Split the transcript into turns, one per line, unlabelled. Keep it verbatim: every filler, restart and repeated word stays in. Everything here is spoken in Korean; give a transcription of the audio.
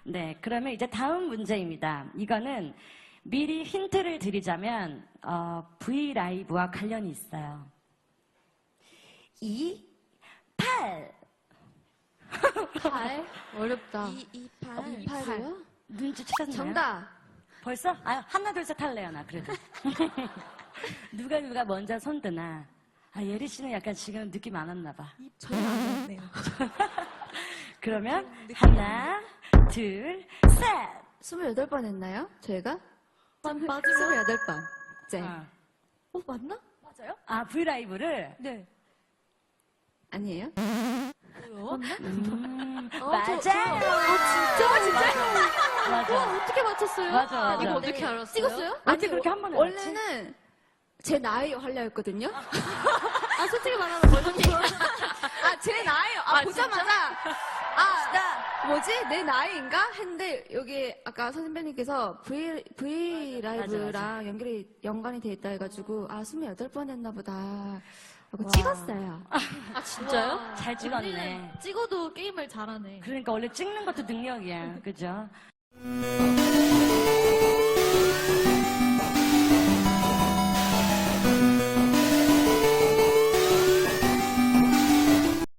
네, 그러면 이제 다음 문제입니다. 이거는 미리 힌트를 드리자면 어, 브이라이브와 관련이 있어요. 이, 팔.
팔? 어렵다.
이, 이, 팔.
어, 이팔이요?
눈치 채셨나요?
정답.
벌써? 아, 하나, 둘, 셋 할래요, 나 그래도. 누가 누가 먼저 손 드나. 아, 예리 씨는 약간 지금 느낌 안 왔나 봐.
전혀 안 왔네요.
그러면
느낌
하나, 둘, 셋.
스물여덟 번 했나요? 저희가?
맞아요.
스물여덟 번. 네.
어.
어, 맞나? 맞아요?
아, 브이라이브를?
네.
아니에요?
뭐요?
음,
어,
맞아요.
저- 저- 아, 진짜? 진짜?
맞아.
와, 어떻게 맞췄어요?
맞아, 맞아.
이거 어떻게 알았어요?
찍었어요?
어떻게
아니,
그렇게 한 번에 알았지?
원래는 제 나이 하려 했거든요.
아, 솔직히 말하면 뭐였지?
아, 제 나이, 아,
아,
보자마자, 아, 뭐지? 내 나이인가? 했는데, 여기 아까 선배님께서 V, V 라이브랑
맞아,
연결이, 연관이 돼 있다 해가지고, 아, 스물여덟 번 했나 보다. 하고
와.
찍었어요.
아, 진짜요?
잘 찍었네.
언니는 찍어도 게임을 잘하네.
그러니까 원래 찍는 것도 능력이야. 그죠?